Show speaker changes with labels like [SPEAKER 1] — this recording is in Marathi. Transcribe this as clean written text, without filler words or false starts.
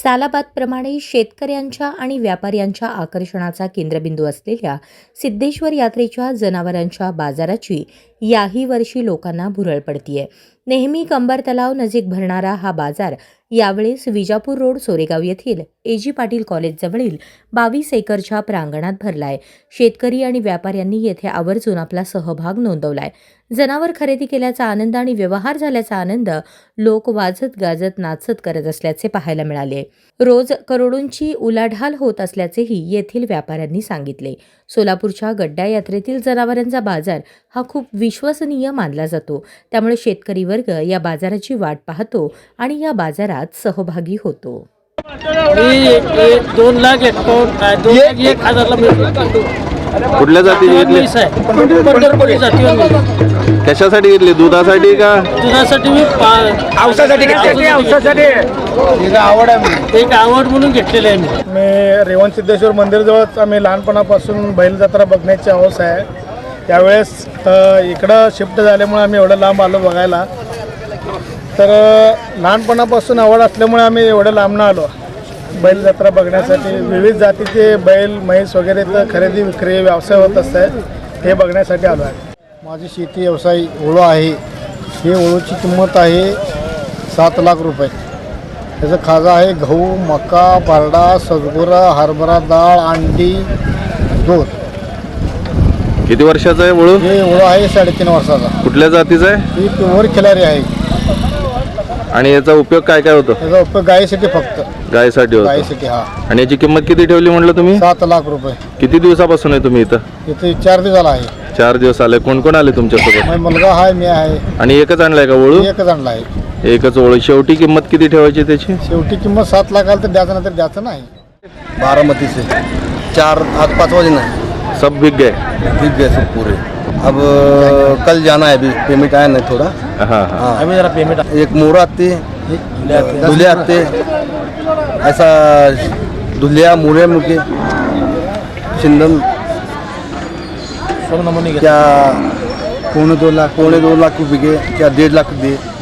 [SPEAKER 1] सालाबादप्रमाणे शेतकऱ्यांच्या आणि व्यापाऱ्यांच्या आकर्षणाचा केंद्रबिंदू असलेल्या सिद्धेश्वर यात्रेच्या जनावरांच्या बाजाराची याही वर्षी लोकांना भुरळ पडतीये। नेहमी कंबर तलाव नजीक भरणारा हा बाजार यावेळेस विजापूर रोड सोरेगाव येथील एजी पाटील कॉलेज जवळील 22 एकरच्या प्रांगणात भरलाय। शेतकरी आणि व्यापाऱ्यांनी येथे आवर्जून आपला सहभाग नोंदवलाय। जनावर खरेदी केल्याचा आनंद आणि व्यवहार झाल्याचा आनंद लोक वाजत गाजत नाचत करत असल्याचे पाहायला मिळाले। रोज करोडोंची उलाढाल होत असल्याचेही येथील व्यापाऱ्यांनी सांगितले। सोलापूरच्या गड्डा यात्रेतील जनावरांचा बाजार हा खूप विश्वसनीय मानला जातो, त्यामुळे शेतकरी वर्ग या बाजाराची वाट पाहतो आणि या बाजारात सहभागी होतो।
[SPEAKER 2] 2,51,000
[SPEAKER 3] कुठल्या जातीची घेतली?
[SPEAKER 2] पंढरपुरी जातीवर
[SPEAKER 3] कशासाठी घेतली? दुधासाठी का?
[SPEAKER 2] दुधासाठी मी औषधासाठी एक आवड म्हणून घेतलेली आहे।
[SPEAKER 4] मी रेवण सिद्धेश्वर मंदिरजवळच आम्ही लहानपणापासून बैल जत्रा बघण्याची हौस आहे। त्यावेळेस इकडं शिफ्ट झाल्यामुळे आम्ही एवढं लांब आलो बघायला। तर लहानपणापासून आवड असल्यामुळे आम्ही एवढं लांबनं आलो बैल जत्रा बघण्यासाठी। विविध जातीचे बैल म्हैस वगैरे तर खरेदी विक्री व्यवसाय होत असतात, हे बघण्यासाठी आलो आहे। माझी शेती व्यवसाय ओळू आहे। हे ओळूची किंमत आहे 7 लाख रुपये। त्याचा खाजा आहे गहू, मका, बारडा, सजगुरा, हरभरा डाळ, अंडी, दूध।
[SPEAKER 3] किती वर्षाचा आहे वळू?
[SPEAKER 4] हे ओळू आहे 3.5 वर्षाचा।
[SPEAKER 3] कुठल्या जातीचा आहे?
[SPEAKER 4] ही प्युअर खिलारी आहे।
[SPEAKER 3] आणि याचा उपयोग काय काय होतो?
[SPEAKER 4] त्याचा उपयोग गायीसाठी, फक्त
[SPEAKER 3] गायीसाठी होतो।
[SPEAKER 4] गायीसाठी। हा,
[SPEAKER 3] आणि याची किंमत किती ठेवली म्हटलं तुम्ही?
[SPEAKER 4] 7 लाख रुपये।
[SPEAKER 3] किती दिवसापासून आहे तुम्ही इथं?
[SPEAKER 4] इथे 4 दिवस झाला आहे।
[SPEAKER 3] 4 दिवस आले। कोण कोण आले तुमच्यासोबत?
[SPEAKER 4] माझा मुलगा आहे, मी आहे।
[SPEAKER 3] आणि एकच आणलाय का वळू?
[SPEAKER 4] एकच आणला आहे।
[SPEAKER 3] एकच वळू। शेवटी किंमत किती ठेवायची त्याची?
[SPEAKER 4] शेवटी किंमत 7 लाख आली तर द्यायचं, नाही तर द्यायचं नाही।
[SPEAKER 5] बारामती से 4 आज 5 बजे ना
[SPEAKER 3] सब बिक गए?
[SPEAKER 5] बिक गए सब पूरे। अब कल जाना है, अभी पेमेंट आया नहीं थोड़ा।
[SPEAKER 3] हाँ हाँ।
[SPEAKER 2] अभी जरा पेमेंट
[SPEAKER 5] एक मोर आते, दुल्हे आते, ऐसा दुल्हिया मोरे मुके चिंदम
[SPEAKER 2] सब नमूने
[SPEAKER 5] क्या 2.25 लाख रुपये के, क्या 1.5 लाख दे।